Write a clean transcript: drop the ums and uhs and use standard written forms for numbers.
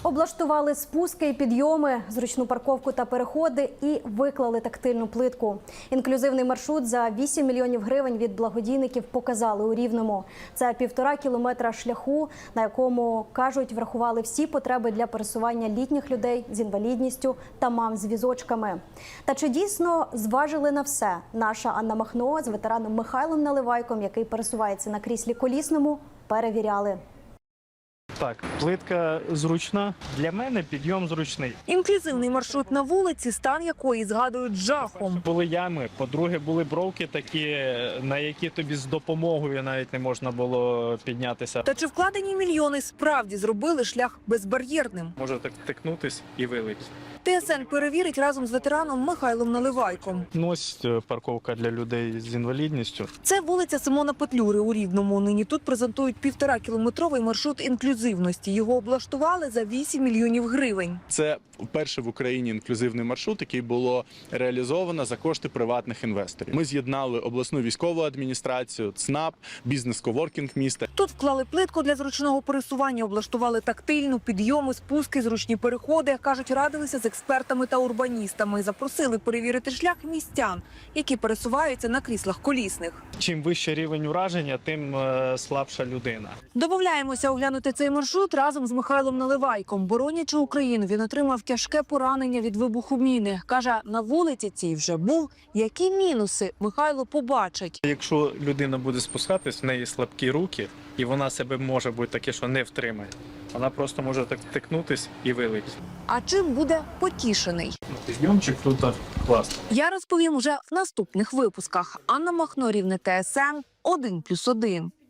Облаштували спуски і підйоми, зручну парковку та переходи і виклали тактильну плитку. Інклюзивний маршрут за 8 мільйонів гривень від благодійників показали у Рівному. Це 1,5 кілометра шляху, на якому, кажуть, врахували всі потреби для пересування літніх людей з інвалідністю та мам з візочками. Та чи дійсно зважили на все? Наша Анна Махно з ветераном Михайлом Наливайком, який пересувається на кріслі колісному, перевіряли. Так, плитка зручна. Для мене підйом зручний. Інклюзивний маршрут на вулиці, стан якої згадують жахом. Були ями, по-друге, були бровки такі, на які тобі з допомогою навіть не можна було піднятися. Та чи вкладені мільйони справді зробили шлях безбар'єрним? Може так тикнутись і вилить. ТСН перевірить разом з ветераном Михайлом Наливайком. Ну, ось парковка для людей з інвалідністю. Це вулиця Симона Петлюри у Рівному. Нині тут презентують 1,5-кілометровий маршрут інклюзивності. Його облаштували за 8 мільйонів гривень. Це перший в Україні інклюзивний маршрут, який було реалізовано за кошти приватних інвесторів. Ми з'єднали обласну військову адміністрацію, ЦНАП, бізнес-коворкінг міста. Тут вклали плитку для зручного пересування, облаштували тактильну, підйоми, спуски, зручні переходи. Кажуть, радилися з експертами та урбаністами. Запросили перевірити шлях містян, які пересуваються на кріслах колісних. Чим вищий рівень ураження, тим слабша людина. Домовляємося оглянути цей маршрут разом з Михайлом Наливайком. Боронячи Україну, він отримав тяжке поранення від вибуху міни. Каже, на вулиці цій вже був. Які мінуси Михайло побачить? Якщо людина буде спускатись, в неї слабкі руки, і вона себе може бути таке, що не втримає. Вона просто може так тикнутись і вилить. А чим буде потішений? Підйомчик тут класний. Я розповім уже в наступних випусках. Анна Махно, Рівне, ТСН 1+1.